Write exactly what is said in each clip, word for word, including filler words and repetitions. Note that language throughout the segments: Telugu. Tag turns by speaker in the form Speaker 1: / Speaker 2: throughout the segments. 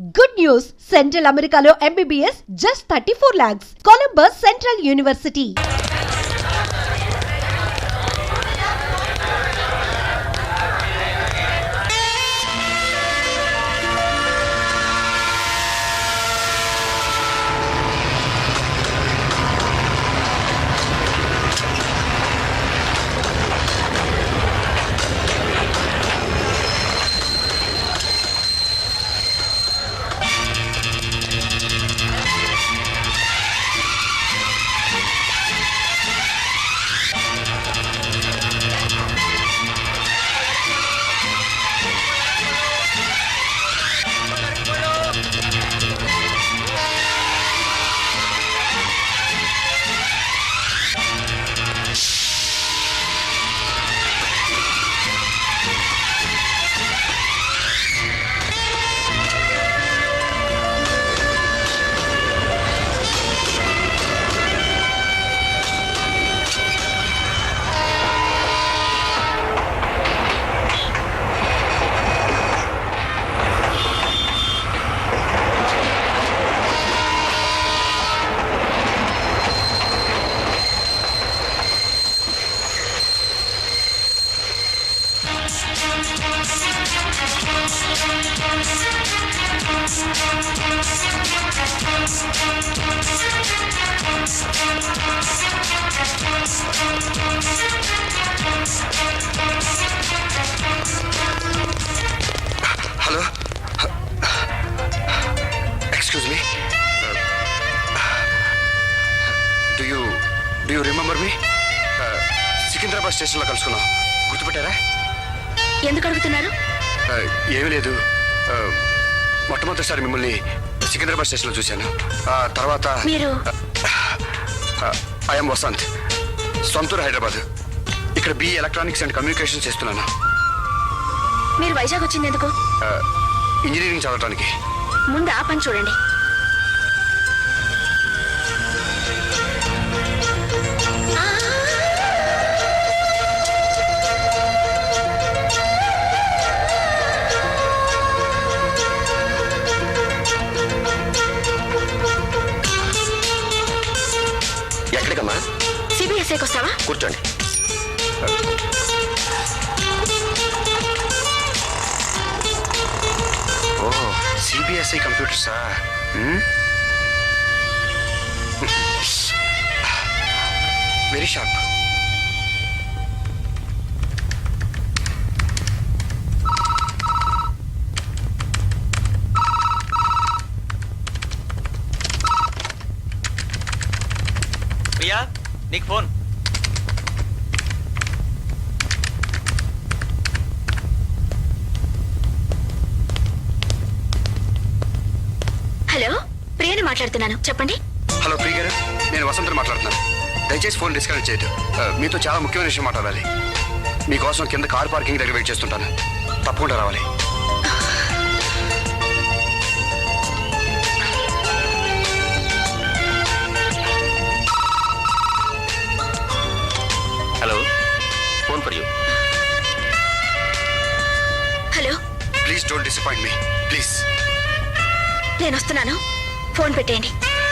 Speaker 1: Good news! Central Americano M B B S just thirty-four lakhs. Columbus Central University.
Speaker 2: Hello? Excuse me? Do you do you remember me? Secunderabad స్టేషన్లో కలుసుకున్నాం. గుర్తుపెట్టారా?
Speaker 3: ఎందుకు అడుగుతున్నారు?
Speaker 2: ఏమీ లేదు. మొట్టమొదటిసారి మిమ్మల్ని సికింద్రాబాద్ స్టేషన్లో చూశాను. తర్వాత
Speaker 3: మీరు
Speaker 2: ఐఎమ్ వసంత్, సొంతూరు హైదరాబాద్. ఇక్కడ బి ఎలక్ట్రానిక్స్ అండ్ కమ్యూనికేషన్ చేస్తున్నాను.
Speaker 3: మీరు వైజాగ్ వచ్చింది ఎందుకు?
Speaker 2: ఇంజనీరింగ్ చదవడానికి.
Speaker 3: ముందు ఆ పని చూడండి.
Speaker 2: ఎక్కడికమ్మా?
Speaker 3: సిబిఎస్ఏకి వస్తావా?
Speaker 2: కూర్చోండి. ఓ, సిబిఎస్ఈ కంప్యూటర్సా? Very sharp.
Speaker 4: ప్రియా, నీకు ఫోన్.
Speaker 3: హలో, ప్రియని మాట్లాడుతున్నాను, చెప్పండి.
Speaker 2: హలో ప్రియ గారు, నేను వసంత్ మాట్లాడుతున్నాను. దయచేసి ఫోన్ డిస్కనెక్ట్ చేయదు. మీతో చాలా ముఖ్యమైన విషయం మాట్లాడాలి. మీకోసం కింద కార్ పార్కింగ్ దగ్గర వెయిట్ చేస్తుంటాను. తప్పకుండా రావాలి.
Speaker 4: Hello, phone for you.
Speaker 3: Hello,
Speaker 2: please don't disappoint me please.
Speaker 3: నేను వస్తున్నాను, ఫోన్ పెట్టేయండి.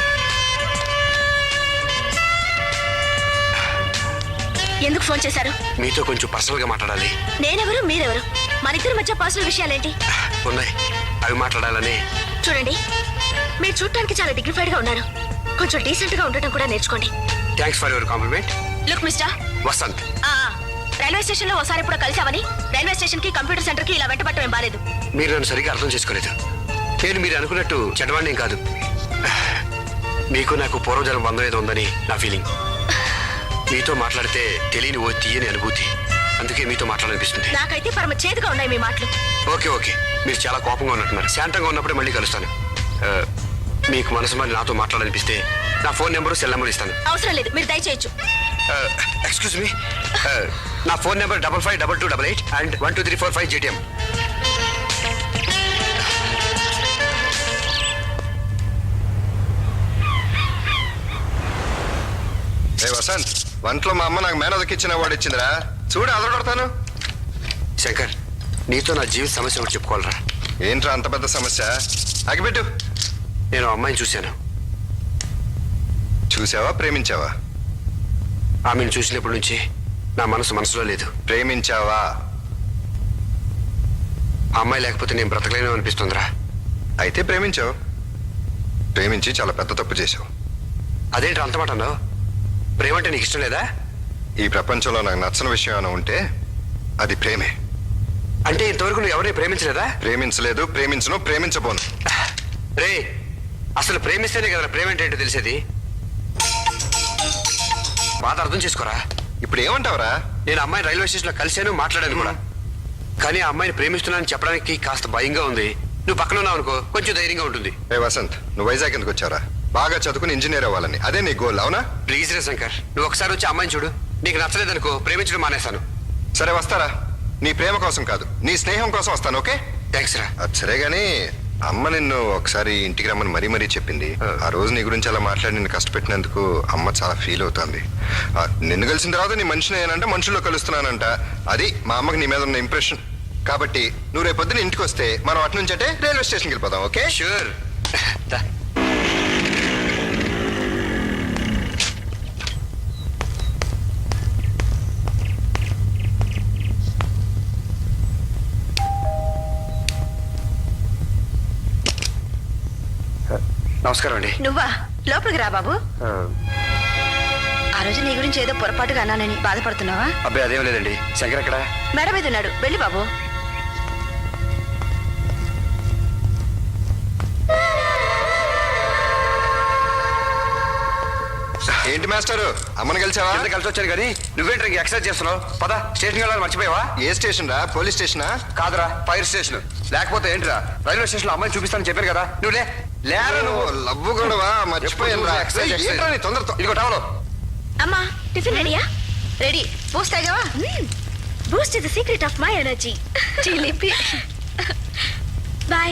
Speaker 3: ఎందుకు ఫోన్ చేశారు?
Speaker 2: మీతో కొంచెం పర్సనల్ గా మాట్లాడాలి.
Speaker 3: నేనెవరు, మీరెవరు? మన ఇద్దరి మధ్య పర్సనల్ విషయాలేంటి?
Speaker 2: ఉన్నాయి, అవి మాట్లాడాలని.
Speaker 3: చూడండి, మీరు చూడటానికి చాలా డిగ్నిఫైడ్ గా ఉన్నారు. కొంచెం డీసెంట్ గా ఉండటం కూడా నేర్చుకోండి.
Speaker 2: Thanks for your compliment.
Speaker 3: Look mister
Speaker 2: Vasant,
Speaker 3: railway station లో ఒకసారి ఇప్పుడు కలిసామని రైల్వే స్టేషన్ కి కంప్యూటర్ సెంటర్ కి ఇలా వెంటబట్టం బాలేదు.
Speaker 2: మీరు నన్ను సరిగ్గా అర్థం చేసుకోలేదు. నేను మీరు అనుకున్నట్టు చెడ్డవాణ్ణేం కాదు. మీకు నాకు పూర్వజన్మ బంధం ఏదో ఉందని నా ఫీలింగ్. మీతో మాట్లాడితే తెలియని ఓ తీయని అనుభూతి. అందుకే మీతో మాట్లాడాలనిపిస్తుంది.
Speaker 3: నాకైతే పరమ చేదుగా ఉన్నాయి మీ మాటలు.
Speaker 2: ఓకే ఓకే, మీరు చాలా కోపంగా ఉన్నట్టున్నారు. శాంతంగా ఉన్నప్పుడే మళ్ళీ కలుస్తాను. మీకు మనసు మరి నాతో మాట్లాడాలనిపిస్తే నా ఫోన్ నెంబరు సెల్ నెంబర్ ఇస్తాను.
Speaker 3: అవసరం లేదు, మీరు దయచేయచ్చు.
Speaker 2: ఎక్స్క్యూజ్ మీ, నా phone number double five double two double eight and one two three four five జేటీఎం.
Speaker 5: వసంత్, వంటలో మా అమ్మ నాకు మేనదకిచ్చిన వాడు ఇచ్చిందిరా, చూడు అదరగొడతాను.
Speaker 2: శంకర్, నీతో నా జీవిత సమస్య ఒకటి చెప్పుకోవాలరా.
Speaker 5: ఏంట్రా అంత పెద్ద సమస్య? అగిపెట్టు.
Speaker 2: నేను అమ్మాయిని చూశాను.
Speaker 5: చూసావా ప్రేమించావా?
Speaker 2: ఆమెను చూసినప్పటి నుంచి నా మనసు మనసులో లేదు.
Speaker 5: ప్రేమించావా?
Speaker 2: ఆ అమ్మాయి లేకపోతే నేను బ్రతకలేను అనిపిస్తుందిరా.
Speaker 5: అయితే ప్రేమించావు. ప్రేమించి చాలా పెద్ద తప్పు చేసావు.
Speaker 2: అదేంటి అంత మాట అన్నావు? ప్రేమ అంటే నీకు ఇష్టం లేదా?
Speaker 5: ఈ ప్రపంచంలో నాకు నచ్చని విషయం ఏమైనా ఉంటే అది ప్రేమే.
Speaker 2: అంటే ఇంతవరకు నువ్వు ఎవరిని ప్రేమించలేదా?
Speaker 5: ప్రేమించలేదు, ప్రేమించను, ప్రేమించబోను.
Speaker 2: రే, అసలు ప్రేమిస్తేనే కదా ప్రేమ అంటే ఏంటో తెలిసేది. బాధ అర్థం చేసుకోరా.
Speaker 5: ఇప్పుడు ఏమంటావురా?
Speaker 2: నేను అమ్మాయిని రైల్వే స్టేషన్లో కలిశాను, మాట్లాడాను కూడా. కానీ ఆ అమ్మాయిని ప్రేమిస్తున్నానని చెప్పడానికి కాస్త భయంగా ఉంది. నువ్వు పక్కన ఉన్నావు అనుకో, కొంచెం ధైర్యంగా ఉంటుంది.
Speaker 5: ఏ వసంత్, నువ్వు వైజాగ్ ఎందుకు వచ్చారా? బాగా చదువుకుని ఇంజనీర్ అవ్వాలని, అదే నీ గోల్, అవునా?
Speaker 2: ప్లీజ్ రే శంకర్, నువ్వు ఒకసారి వచ్చి అమ్మాయిని చూడు. నీకు నచ్చలేదనుకో, ప్రేమించడం మానేస్తాను.
Speaker 5: సరే వస్తారా? నీ ప్రేమ కోసం కాదు, నీ స్నేహం కోసం వస్తాను. ఓకే?
Speaker 2: థ్యాంక్స్ రా.
Speaker 5: అది సరే గానీ అమ్మ నిన్ను ఒకసారి ఇంటికి రమ్మని మరీ మరీ చెప్పింది. ఆ రోజు నీ గురించి అలా మాట్లాడి నిన్ను కష్టపెట్టినందుకు అమ్మ చాలా ఫీల్ అవుతుంది. ఆ, నిన్ను కలిసిన తర్వాత నీ మనిషిని ఏనంటే మనుషుల్లో కలుస్తున్నానంట. అది మా అమ్మకి నీ మీద ఉన్న ఇంప్రెషన్. కాబట్టి నువ్వు రేపు పొద్దున ఇంటికి వస్తే మనం అటు నుంచి అంటే రైల్వే స్టేషన్కి వెళ్ళిపోదాం. ఓకే?
Speaker 2: షూర్. నమస్కారం అండి.
Speaker 3: నువ్వా? లోపలికి రా బాబు. ఆ రోజు నీ గురించి ఏదో పొరపాటుగా అన్నానని బాధపడుతున్నావా?
Speaker 2: అబ్బాయి అదేం లేదండి. శంకర్ ఎక్కడ?
Speaker 3: మేడ మీద ఉన్నాడు, వెళ్ళి బాబు.
Speaker 5: ఏంటి మాస్టారు, అమ్మని కలిసావా?
Speaker 2: కింద కలిసి వచ్చాను కానీ నువ్వేంటి ఇంక ఎక్సర్సైజ్ చేస్తున్నావు? పద, స్టేషన్కి వెళ్ళాలని మర్చిపోయావా?
Speaker 5: ఏ స్టేషన్ రా? పోలీస్ స్టేషనా?
Speaker 2: కాదురా, ఫైర్ స్టేషన్. లేకపోతే ఏంటిరా, రైల్వే స్టేషన్ లో అమ్మాయిని చూపిస్తానని చెప్పారు కదా. నువ్వు లే లేరా నువ్వు.
Speaker 5: లవ్వు గొడవా? మర్చిపోయాను రా.
Speaker 2: Exercise, exercise.
Speaker 5: ఏంట్రా నీ తొందరతో?
Speaker 2: ఇదిగో టవలో.
Speaker 3: అమ్మా, టిఫిన్ రెడీయా? రెడీ. బూస్ట్ తాగావా? Boost is the secret of my energy. చిలిపి. బాయ్.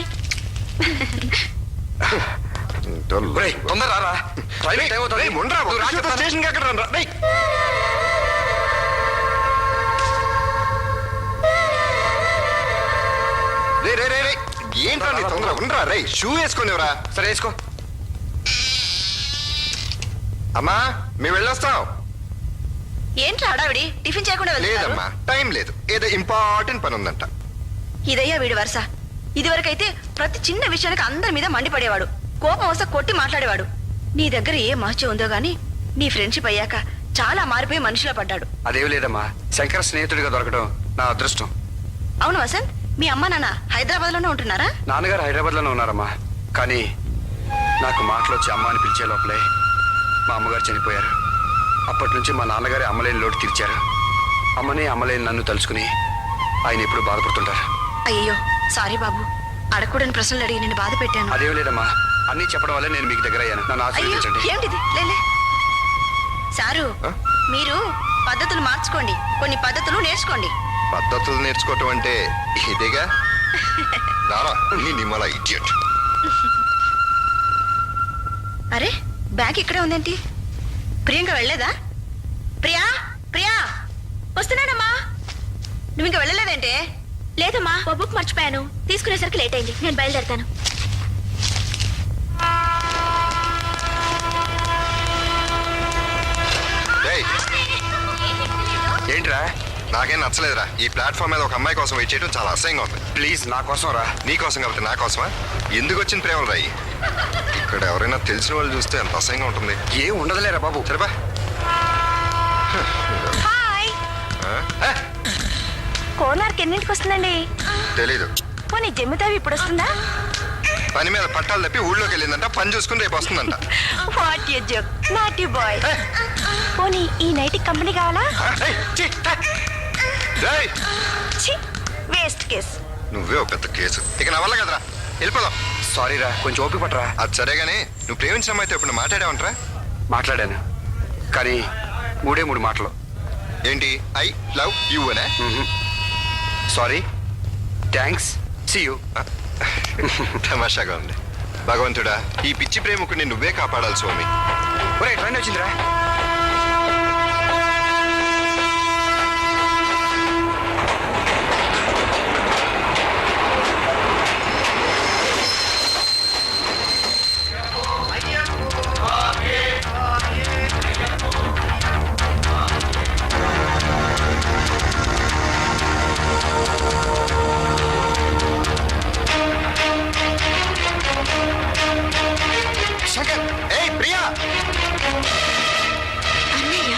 Speaker 2: ఒరేయ్, తొందర రారా. రైల్వే టైం అవుతుంది.
Speaker 5: రేయ్, ఉండరా,
Speaker 2: నువ్వు రా
Speaker 5: ఒక
Speaker 2: చెప్తాను.
Speaker 5: స్టేషన్కి అక్కడ రా. రేయ్. రే రే రే రే ఏంట్రా నీ తొందర? ఉండరా. రే, షూ వేసుకునేవరా?
Speaker 2: సరే వేసుకో.
Speaker 5: అమ్మా, మేము వెళ్ళొస్తాం.
Speaker 3: ఏంట్రా హడావిడి? టిఫిన్ చేయకుండా వెళ్తున్నారు?
Speaker 5: లేదమ్మా, టైం లేదు. ఏదో ఇంపార్టెంట్ పని ఉందంట.
Speaker 3: ఇదయ్యా వీడి వరుస. ఇదివరకైతే ప్రతి చిన్న విషయానికి అందరి మీద మండిపడేవాడు, కోపం వస్తే కొట్టి మాట్లాడేవాడు. నీ దగ్గర ఏ మహత్యం ఉందో గానీ నీ ఫ్రెండ్షిప్ అయ్యాక చాలా మారిపోయి మనిషిలో పడ్డాడు.
Speaker 2: అదేం లేదమ్మా, శంకర్ స్నేహితుడిగా దొరకడం నా అదృష్టం.
Speaker 3: అవును వసంత్, మీ అమ్మ నాన్న హైదరాబాద్ లోనే ఉంటున్నారా?
Speaker 2: నాన్నగారు హైదరాబాద్ లోనే ఉన్నారమ్మా. కానీ నాకు మాటలు వచ్చి అమ్మ అని పిలిచే లోపలే మా అమ్మగారు చనిపోయారు. అప్పటి నుంచి మా నాన్నగారి అమ్మలేని లోటు తీర్చారు. అమ్మని అమ్మలేని నన్ను తలుచుకుని ఆయన ఎప్పుడు బాధపడుతుంటారు.
Speaker 3: అయ్యో సారీ బాబు, అడగకూడని ప్రశ్నలు అడిగి నేను బాధ పెట్టాను.
Speaker 2: అదేం లేదమ్మా, అన్నీ చెప్పడం వల్లే నేను మీకు దగ్గర అయ్యాను. నన్ను
Speaker 3: అయ్యో
Speaker 2: ఆశీర్వదించండి.
Speaker 3: ఏమిటిది? లేలే సారు,
Speaker 5: ఆ?
Speaker 3: మీరు పద్ధతులు మార్చుకోండి, కొన్ని పద్ధతులు నేర్చుకోండి.
Speaker 5: పద్ధతులు నేర్చుకోవటం అంటే ఇదేగా. రారా నీ నిమ్మల ఇడియట్.
Speaker 3: అరే, బ్యాగ్ ఇక్కడే ఉందేంటి? ప్రియాంక వెళ్ళలేదా? ప్రియా, ప్రియా వస్తున్నానమ్మా. నువ్వు ఇంకా వెళ్ళలేదంటే? లేదమ్మా, ఓ బుక్ మర్చిపోయాను, తీసుకునేసరికి లేట్ అయింది, నేను బయలుదేరుతాను.
Speaker 5: రేయ్,
Speaker 2: ఏంట్రా?
Speaker 5: నాకేం నచ్చలేదురా. ఈ ప్లాట్ఫామ్ మీద ఒక అమ్మాయి కోసం వెయిట్ చేయడం చాలా అసహ్యంగా ఉంది.
Speaker 2: ప్లీజ్ నా కోసం రా.
Speaker 5: నీ కోసం కాబట్టి నా కోసమా? ఎందుకు వచ్చిన ప్రేమలు రాయి? ఇక్కడ ఎవరైనా తెలిసిన వాళ్ళు చూస్తే ఎంత అసహ్యంగా ఉంటుంది.
Speaker 2: ఏం ఉండదులేరా బాబు.
Speaker 5: సరేపా.
Speaker 3: హాయ్. కోనార్క్ ఎన్నింటికి వస్తుందండి?
Speaker 5: తెలీదు.
Speaker 3: పోనీ జమ్మితావి ఇప్పుడు వస్తుందా?
Speaker 5: పని మీద పట్టాలు తప్పి ఊళ్ళోకి వెళ్ళిందంట. పని చూసుకుని రేపు వస్తుందంట.
Speaker 3: What you joke, not you boy. పోనీ ఈ నైట్ కంపెనీ కావాలా?
Speaker 5: రేయ్,
Speaker 3: ఛీ, వేస్ట్ కేస్.
Speaker 5: నువ్వే ఒక పెద్ద కేసు. ఇక నా వల్ల కదరా, వెళ్ళిపోదాం.
Speaker 2: సారీ రా, కొంచెం ఓపిక పట్టరా.
Speaker 5: అది సరే గానీ నువ్వు ప్రేమించిన అమ్మాయితో ఇప్పుడు మాట్లాడావంటరా?
Speaker 2: మాట్లాడాను, కానీ మూడే మూడు మాటలు.
Speaker 5: ఏంటి? ఐ లవ్ యూ అనే?
Speaker 2: Sorry, thanks, see you.
Speaker 5: తమాషాగా ఉంది. భగవంతుడా, ఈ పిచ్చి ప్రేమకుని నువ్వే కాపాడాలి స్వామి.
Speaker 2: ఒరే ట్రైన్ వచ్చిందిరా.
Speaker 5: శంకర్ ఏయ్ ప్రియా
Speaker 3: అన్నయ్య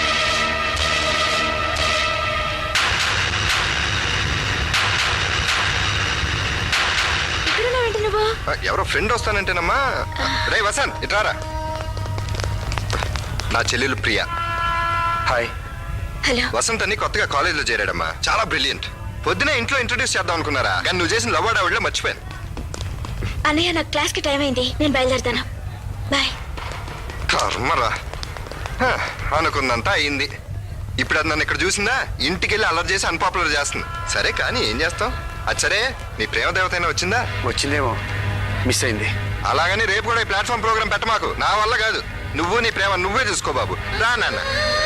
Speaker 3: ఇక్కడున్నావేంటి నువ్వు
Speaker 5: ఆ, ఎవరో ఫ్రెండ్ వస్తానంటేనమ్మా రే వసంత్ ఇట్రారా నా చెల్లెలు ప్రియా
Speaker 2: హాయ్.
Speaker 3: హలో
Speaker 5: వసంత్ అని కొత్తగా కాలేజీలో చేరాడమ్మా చాలా బ్రిలియంట్ పొద్దునే ఇంట్లో ఇంట్రొడ్యూస్ చేద్దాం అనుకున్నారా కానీ నువ్వు చేసిన లవ్ ఆవిడలో మర్చిపోయాను
Speaker 3: అన్నయ్య నాకు క్లాస్ కి టైం అయింది నేను బయలుదేరుతాను బాయ్
Speaker 5: కర్మరా హ, అనుకున్నంతా అయింది ఇప్పుడు అది నన్ను ఇక్కడ చూసిందా ఇంటికి వెళ్ళి అలర్ట్ చేసి అన్పాపులర్ చేస్తుంది సరే కానీ ఏం చేస్తాం అది సరే నీ ప్రేమ దేవత అయినా వచ్చిందా
Speaker 2: వచ్చిందేమో, మిస్ అయింది.
Speaker 5: అలాగని రేపు కూడా ఈ ప్లాట్ఫామ్ ప్రోగ్రామ్ పెట్టమాకు నా వల్ల కాదు నువ్వు నీ ప్రేమ నువ్వే చూసుకో బాబు రా నాన్న